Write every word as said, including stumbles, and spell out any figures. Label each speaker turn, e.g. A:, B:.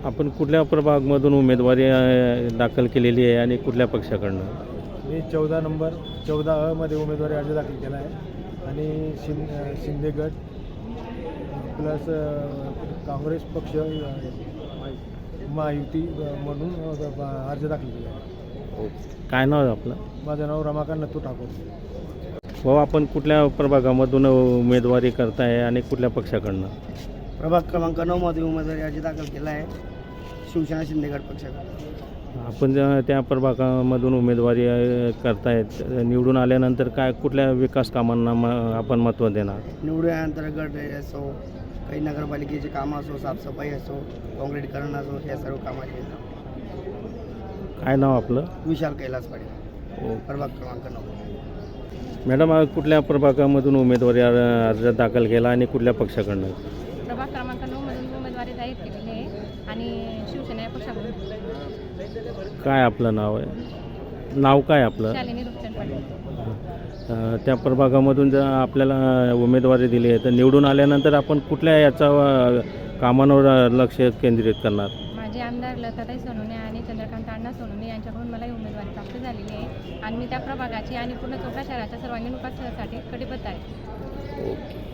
A: आपण कुठल्या प्रभागमधून उमेदवारी अ, दाखल केलेली आहे आणि कुठल्या पक्षाकडनं?
B: मी चौदा नंबर चौदा अ मध्ये उमेदवारी अर्ज दाखल केला आहे आणि शिं शिंदे गट प्लस काँग्रेस पक्ष अ, महायुती अ, म्हणून अ, अर्ज दाखल केला आहे.
A: काय नाव आहे आपलं?
B: माझं नाव रमाकांत नथू ठाकूर.
A: भाऊ, आपण कुठल्या प्रभागामधून उमेदवारी करताय आणि कुठल्या पक्षाकडनं?
C: प्रभाग क्रमांक नऊमध्ये उमेदवारी अर्ज दाखल केला आहे शिवसेना शिंदेगड पक्षाकडे.
A: आपण ज्या- त्या प्रभागामधून उमेदवारी अ, करतायत, निवडून आल्यानंतर काय कुठल्या विकास कामांना म आपण महत्त्व देणार?
C: निवडून आल्यानंतर गट असो, काही नगरपालिकेचे कामं असो, साफसफाई असो, काँक्रीटीकरण असो, या सर्व कामाचे
A: काय नाव आपलं?
C: विशाल कैलास पाटील, प्रभाग क्रमांक नऊ.
A: मॅडम, आज कुठल्या प्रभागामधून उमेदवारी अ- अर्ज दाखल केला आणि कुठल्या पक्षाकडनं?
D: प्रभाग क्रमांक नऊमधून उमेदवारी जाहीर केलेली आहे आणि शिवसेना या पक्षाकडून
A: काय आपलं नाव आहे? नाव काय आपलं?
D: शालिनी रुपचंद पाटील.
A: अ, त्या प्रभागामधून जर आपल्याला उमेदवारी दिली आहे तर निवडून आल्यानंतर आपण कुठल्या याचा अ, कामांवर लक्ष केंद्रित करणार?
D: माझे आमदार लताताई सोनवणे आणि चंद्रकांत अण्णा सोनवणे यांच्याकडून मला ही उमेदवारी प्राप्त झालेली आहे आणि मी त्या प्रभागाची आणि पूर्ण चौदा शहराच्या सर्वांगीण विकासासाठी कटिबद्ध आहे.
A: ओके.